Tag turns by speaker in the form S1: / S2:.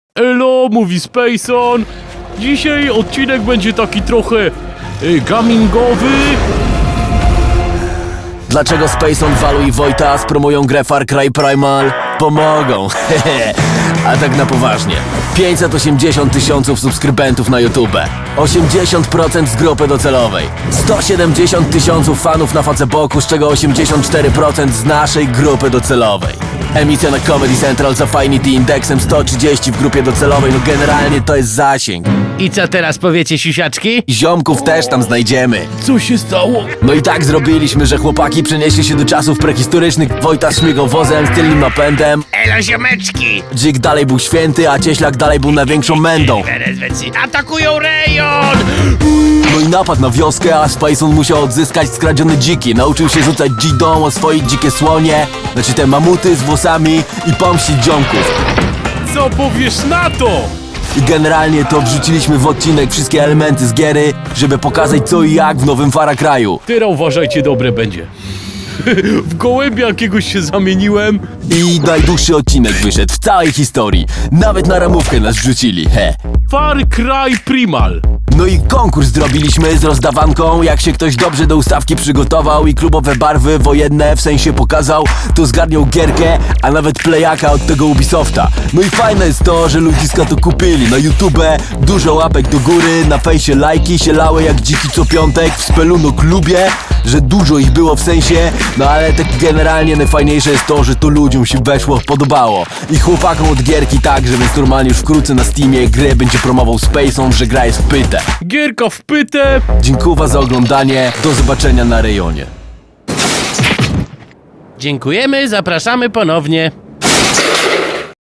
S1: Elo, mówi Spacon. Dzisiaj odcinek będzie taki trochę gamingowy.
S2: Dlaczego Spacon, Walu i Wojtas promują grę Far Cry Primal? Pomogą, A tak na poważnie. 580 000 subskrybentów na YouTube, 80% z grupy docelowej, 170 000 fanów na Facebooku, z czego 84% z naszej grupy docelowej. Emisja na Comedy Central z Affinity indeksem 130 w grupie docelowej, no generalnie to jest zasięg.
S3: I co teraz powiecie, siusiaczki?
S2: Ziomków też tam znajdziemy.
S1: Co się stało?
S2: No i tak zrobiliśmy, że chłopaki przenieśli się do czasów prehistorycznych. Wojtas śmigał wozem z tylnym napędem,
S3: Elo, ziomeczki!
S2: Dzik dalej był święty, a Cieślak dalej był największą mędą.
S3: Atakują rejon!
S2: No i napadł na wioskę, a Spacon musiał odzyskać skradzione dziki. Nauczył się rzucać dzidą, oswoić dzikie słonie, znaczy te mamuty z włosami i pomścić ziomków.
S1: Co powiesz na to?
S2: I generalnie to wrzuciliśmy w odcinek wszystkie elementy z giery, żeby pokazać co i jak w nowym Far Cry'u.
S1: Teraz uważajcie, dobre będzie. W gołębia jakiegoś się zamieniłem.
S2: I najdłuższy odcinek wyszedł w całej historii. Nawet na ramówkę nas wrzucili,
S1: Far Cry Primal.
S2: No i konkurs zrobiliśmy z rozdawanką. Jak się ktoś dobrze do ustawki przygotował i klubowe barwy wojenne w sensie pokazał, to zgarniał gierkę, a nawet playaka od tego Ubisofta. No i fajne jest to, że ludziska to kupili. Na YouTube dużo łapek do góry, na fejsie lajki się lały jak dziki co piątek. W Speluno klubie, że dużo ich było w sensie. No ale tak generalnie najfajniejsze jest to, że to ludziom się weszło, podobało. I chłopakom od gierki także, więc normalnie już wkrótce na Steamie grę będzie promował Spacon, że gra jest w pytę.
S1: Gierka w pytę.
S2: Dziękuję za oglądanie, do zobaczenia na rejonie.
S3: Dziękujemy, zapraszamy ponownie.